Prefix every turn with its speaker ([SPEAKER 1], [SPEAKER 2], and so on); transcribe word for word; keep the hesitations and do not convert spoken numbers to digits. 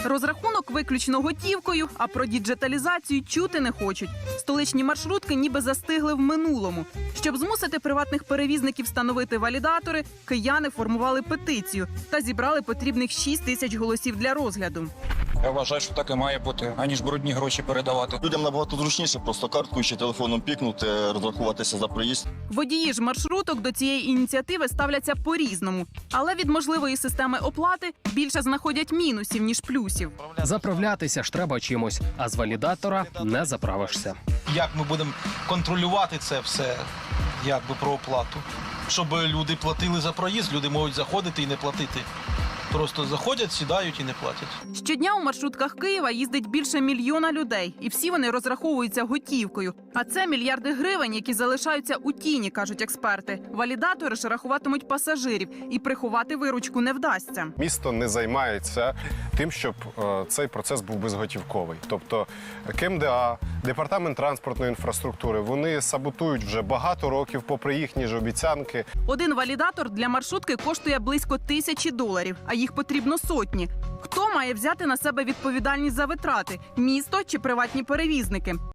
[SPEAKER 1] Розрахунок виключно готівкою, а про діджиталізацію чути не хочуть. Столичні маршрутки ніби застигли в минулому. Щоб змусити приватних перевізників встановити валідатори, кияни формували петицію та зібрали потрібних шість тисяч голосів для розгляду.
[SPEAKER 2] Я вважаю, що так і має бути, аніж брудні гроші передавати.
[SPEAKER 3] Людям набагато зручніше просто карткою чи телефоном пікнути, розрахуватися за проїзд.
[SPEAKER 1] Водії ж маршруток до цієї ініціативи ставляться по-різному. Але від можливої системи оплати більше знаходять мінусів, ніж плюсів.
[SPEAKER 4] Заправлятися ж треба чимось, а з валідатора не заправишся.
[SPEAKER 5] Як ми будемо контролювати це все, якби про оплату? Щоб люди платили за проїзд, люди можуть заходити і не платити. Просто заходять, сідають і не платять.
[SPEAKER 1] Щодня у маршрутках Києва їздить більше мільйона людей, і всі вони розраховуються готівкою. А це мільярди гривень, які залишаються у тіні, кажуть експерти. Валідатори ж рахуватимуть пасажирів, і приховати виручку не вдасться.
[SPEAKER 6] Місто не займається тим, щоб е, цей процес був безготівковий. Тобто КМДА, Департамент транспортної інфраструктури, вони саботують вже багато років, попри їхні ж обіцянки.
[SPEAKER 1] Один валідатор для маршрутки коштує близько тисячі доларів, а їх потрібно сотні. Хто має взяти на себе відповідальність за витрати – місто чи приватні перевізники?